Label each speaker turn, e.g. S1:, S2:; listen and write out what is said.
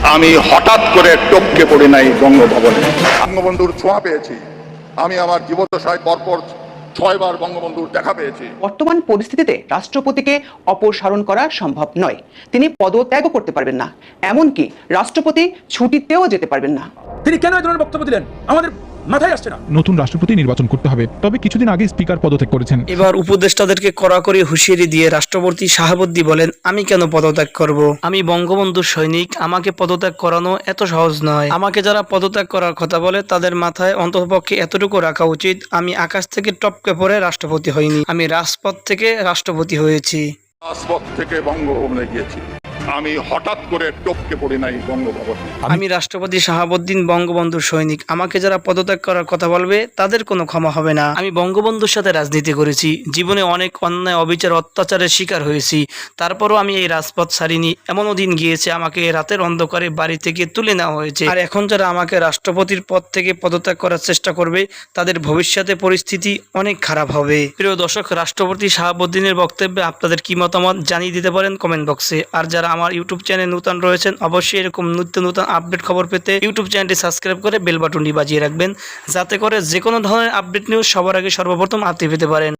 S1: আমি হঠাৎ করে টপকে পড়ি নাই বঙ্গভবনে। বঙ্গবন্ধুর ছোঁয়া পেয়েছি। আমি আমার জীবদ্দশায় পরপর 6 বার বঙ্গবন্ধুর দেখা পেয়েছি।
S2: বর্তমান পরিস্থিতিতে রাষ্ট্রপতিকে অপসারণ করা সম্ভব নয়। তিনি পদত্যাগও করতে পারবেন না, এমনকি রাষ্ট্রপতি ছুটিতেও যেতে পারবেন না।
S3: তিনি কেন এই ধরনের বক্তব্য দিলেন আমাদের মাথায় আসছে না।
S4: নতুন রাষ্ট্রপতি নির্বাচন করতে হবে, তবে কিছুদিন আগে স্পিকার পদত্যাগ করেছেন।
S5: এবার উপদেষ্টাদেরকে কড়াকড়ি হুঁশিয়ারি দিয়ে রাষ্ট্রপতি শাহাবুদ্দি বলেন, আমি কেন পদত্যাগ করব? আমি বঙ্গবন্ধুর সৈনিক, আমাকে পদত্যাগ করানো এত সহজ নয়। আমাকে যারা পদত্যাগ করার কথা বলে তাদের মাথায় অন্ততপক্ষে এতটুকু রাখা উচিত, আমি আকাশ থেকে টপকে পড়ে রাষ্ট্রপতি হইনি, আমি রাজপথ থেকে রাষ্ট্রপতি হয়েছি।
S1: রাজপথ থেকে বঙ্গভবনে গিয়েছি। আমি হঠাৎ করে টপকে পড়ি নাই বঙ্গভবনে।
S5: আমি রাষ্ট্রপতি শাহাবুদ্দিন, বঙ্গবন্ধুর সৈনিক, আমাকে যারা পদত্যাগ করার কথা বলবে তাদের কোনো ক্ষমা হবে না। আমি বঙ্গবন্ধুর সাথে রাজনীতি করেছি, জীবনে অনেক অন্যায়, অবিচার, অত্যাচারের শিকার হয়েছি, তারপরও আমি এই রাজপথ ছাড়িনি। এমনও দিন গিয়েছে আমাকে রাতের অন্ধকারে বাড়ি থেকে তুলে নেওয়া হয়েছে। আর এখন যারা আমাকে রাষ্ট্রপতির পদ থেকে পদত্যাগ করার চেষ্টা করবে তাদের ভবিষ্যতে পরিস্থিতি অনেক খারাপ হবে। প্রিয় দর্শক, রাষ্ট্রপতি শাহাবুদ্দিনের বক্তব্যে আপনাদের কি মতামত জানিয়ে দিতে পারেন কমেন্ট বক্সে। আর যারা আমার ইউটিউব চ্যানেল নতুন রয়েছেন, অবশ্যই এরকম নতুন আপডেট খবর পেতে ইউটিউব চ্যানেলটি সাবস্ক্রাইব করে বেল বাটনটি বাজিয়ে রাখবেন, যাতে করে যে কোনো ধরনের আপডেট নিউজ সবার আগে সর্বপ্রথম আপনি পেতে পারেন।